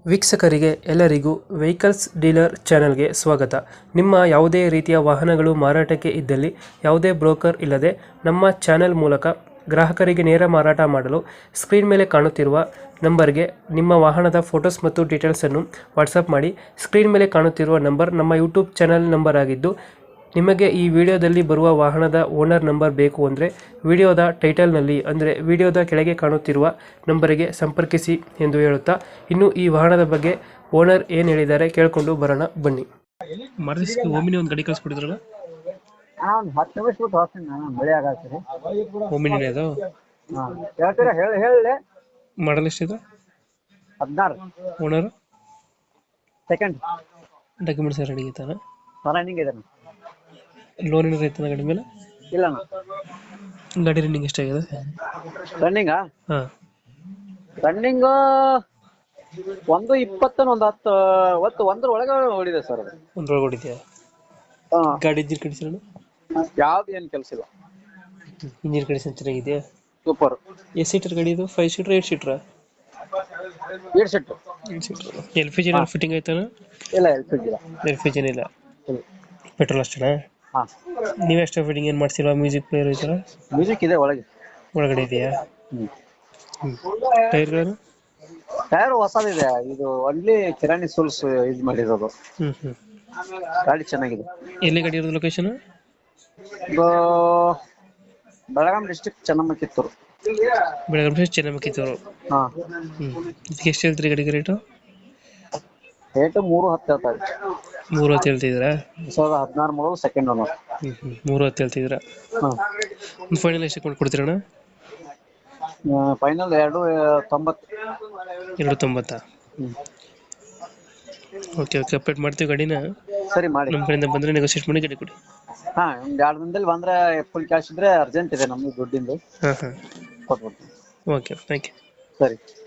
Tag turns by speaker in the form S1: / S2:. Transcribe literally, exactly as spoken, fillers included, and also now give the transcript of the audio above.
S1: ವೀಕ್ಷಕರಿಗೆ ಎಲ್ಲರಿಗೂ vehicles dealer ಚಾನೆಲ್ಗೆ ಸ್ವಾಗತ. ನಿಮ್ಮ ಯಾವುದೇ ರೀತಿಯ ವಾಹನಗಳು ಮಾರಾಟಕ್ಕೆ ಇದ್ದಲ್ಲಿ ಯಾವುದೇ ಬ್ರೋಕರ್ ಇಲ್ಲದೆ ನಮ್ಮ ಚಾನೆಲ್ ಮೂಲಕ ಗ್ರಾಹಕರಿಗೆ ನೇರ ಮಾರಾಟ ಮಾಡಲು ಸ್ಕ್ರೀನ್ ಮೇಲೆ ಕಾಣುತ್ತಿರುವ ನಂಬರ್ಗೆ ನಿಮ್ಮ ವಾಹನದ ಫೋಟೋಸ್ ಮತ್ತು ಡೀಟೇಲ್ಸನ್ನು ವಾಟ್ಸಪ್ ಮಾಡಿ. ಸ್ಕ್ರೀನ್ ಮೇಲೆ ಕಾಣುತ್ತಿರುವ ನಂಬರ್ ನಮ್ಮ ಯೂಟ್ಯೂಬ್ ಚಾನೆಲ್ ನಂಬರ್ ಆಗಿದ್ದು, ನಿಮಗೆ ಈ ವಿಡಿಯೋದಲ್ಲಿ ಬರುವ ವಾಹನದ ಓನರ್ ನಂಬರ್ ಬೇಕು ಅಂದರೆ ವಿಡಿಯೋದ ಟೈಟಲ್ನಲ್ಲಿ ಅಂದರೆ ವಿಡಿಯೋದ ಕೆಳಗೆ ಕಾಣುತ್ತಿರುವ ನಂಬರಿಗೆ ಸಂಪರ್ಕಿಸಿ ಎಂದು ಹೇಳುತ್ತಾ, ಇನ್ನು ಈ ವಾಹನದ ಬಗ್ಗೆ ಓನರ್ ಏನು ಹೇಳಿದ್ದಾರೆ ಕೇಳಿಕೊಂಡು ಬರೋಣ ಬನ್ನಿ. ಮಾರುತಿ ಓಮಿನಿ ಒಂದು ಗಾಡಿ ಕಳಿಸ್ಕೊಡಿದ್ರಲ್ಲ,
S2: ಹತ್ತು ನಿಮಿಷ ಬಿಟ್ಟು ಹೋಗ್ತೀನಿ ನಾನು. ಬೆಳೆ ಆಗತ್ತೀರಿ
S1: ಓಮಿನಿನೇ ಅದು
S2: ಹೇಳ್ತೀರಾ? ಹೇಳಿ ಹೇಳಿ.
S1: ಮಾಡಲ್ ಎಷ್ಟಿದೆ?
S2: ಹದಿನಾರು.
S1: Owner
S2: second.
S1: ಡಾಕ್ಯುಮೆಂಟ್ಸ್ ರೆಡಿ ಐತಾನ?
S2: ರನ್ನಿಂಗ್ ಇದೆ.
S1: ಲೋನ್ ಏನಾರು ಐತಾನ ಗಾಡಿ ಮೇಲೆ?
S2: ಇಲ್ಲ.
S1: ಗಾಡಿ ರನ್ನಿಂಗ್ ಎಷ್ಟಾಗಿದೆ?
S2: ರನ್ನಿಂಗಾ?
S1: ಹಾಂ,
S2: ರನ್ನಿಂಗ್ ಒಂದು ಇಪ್ಪತ್ತನ ಒಂದು ಹತ್ತು ಒತ್ತು ಒಂದ್ರ ಒಳಗೆ ಓಡಿದೆ ಸರ್. ಅದು
S1: ಒಂದ್ರೊಳಗೆ ಹೊಡಿದ್ಯಾ?
S2: ಹಾಂ.
S1: ಗಾಡಿ ಇಂಜಿನ್ ಕಂಡೀಷನ್
S2: ಯಾವ್ದು ಏನು ಕೆಲಸ ಇಲ್ಲ.
S1: ಇಂಜಿನ್ ಕಂಡೀಷನ್ ಚೆನ್ನಾಗಿದೆಯಾ?
S2: ಸೂಪರ್.
S1: ಎಷ್ಟು ಸೀಟರ್ ಗಾಡಿ ಇದು? ಫೈವ್ ಸೀಟರ್ ಏಟ್ ಸೀಟ್ರಾ?
S2: ಏಳು ಸೆಟ್.
S1: Eight seater. L P G fitting ಆಯ್ತಾನ?
S2: ಇಲ್ಲ, ಎಲ್ ಪಿ ಜಿ ಇಲ್ಲ.
S1: ಎಲ್ ಪಿ ಜಿನ ಇಲ್ಲ, ಪೆಟ್ರೋಲ್ ಅಷ್ಟೇನಾ?
S2: ಹಾಂ.
S1: ನೀವು ಎಕ್ಸ್ಟ್ರಾ ಫಿಟ್ಟಿಂಗ್ ಏನು ಮಾಡ್ಸಿಲ್ವಾ? ಮ್ಯೂಸಿಕ್ ಪ್ಲೇಯರ್ ಐತಲ್ಲ?
S2: ಮ್ಯೂಸಿಕ್ ಇದೆ ಒಳಗೆ.
S1: ಒಳಗಡೆ ಇದೆಯಾ?
S2: ಹ್ಞೂ.
S1: ಟೈರ್ಗಳನ್ನು?
S2: ಟೈರ್ ಹೊಸದಿದೆ. ಇದು ಒನ್ಲಿ ಕಿರಾಣಿ ಸೂಲ್ಸ್ ಇದು ಮಾಡಿರೋದು.
S1: ಹ್ಞೂ ಹ್ಞೂ.
S2: ಗಾಡಿ ಚೆನ್ನಾಗಿದೆ.
S1: ಎಲ್ಲಿ ಗಾಡಿ ಇರೋದು ಲೊಕೇಶನ್?
S2: ಇದು ಬೆಳಗಾಂ ಡಿಸ್ಟ್ರಿಕ್ಟ್ ಚೆನ್ನಮ್ಮ ಕಿತ್ತೂರು.
S1: ಬೆಳಗಾವಿ ಚೆನ್ನಮ್ಮ ಕಿತ್ತೂರು.
S2: ಹಾಂ.
S1: ಹ್ಞೂ. ಇದಕ್ಕೆ ಎಷ್ಟು ಹೇಳ್ತೀರಿ ಗಾಡಿಗೆ ರೇಟು?
S2: ರೇಟು ಮೂರು ಹತ್ತು ಹೇಳ್ತಾರೆ.
S1: ಮೂರು ಹತ್ತು ಹೇಳ್ತಿದ್ದೀರಾ?
S2: ಸಾವಿರದ ಹದಿನಾರು ಮೂರು ಸೆಕೆಂಡ್ ಓನರ್.
S1: ಹ್ಞೂ ಹ್ಞೂ. ಮೂರು ಹತ್ತು ಹೇಳ್ತಿದ್ದೀರಾ?
S2: ಹಾಂ.
S1: ಒಂದು ಫೈನಲ್ ಎಷ್ಟು ಕೊಂಡು ಕೊಡ್ತೀರಣ್ಣ?
S2: ಫೈನಲ್ ಎರಡು ತೊಂಬತ್ತು.
S1: ಎರಡು ತೊಂಬತ್ತಾ?
S2: ಹ್ಞೂ.
S1: ಓಕೆ ಓಕೆ, ಅಪ್ಡೇಟ್ ಮಾಡ್ತೀವಿ ಗಾಡಿನ.
S2: ಸರಿ ಮಾಡಿ.
S1: ನಮ್ಮ ಕಡೆಯಿಂದ ಬಂದರೆ ನೆಗೋಸಿಯೇಟ್ ಮಾಡಿ ಗಾಡಿ ಕೊಡಿ.
S2: ಹಾಂ, ಒಂದು ಎರಡು ದಿನದಲ್ಲಿ ಬಂದರೆ ಫುಲ್ ಕ್ಯಾಶ್ ಇದ್ರೆ ಅರ್ಜೆಂಟ್ ಇದೆ ನಮಗೆ ದುಡ್ಡಿಂದು.
S1: ಹಾಂ ಹಾಂ.
S2: ಕೊಟ್ಬಿಡ್ತೀನಿ.
S1: Okay, thank you.
S2: ಸರಿ.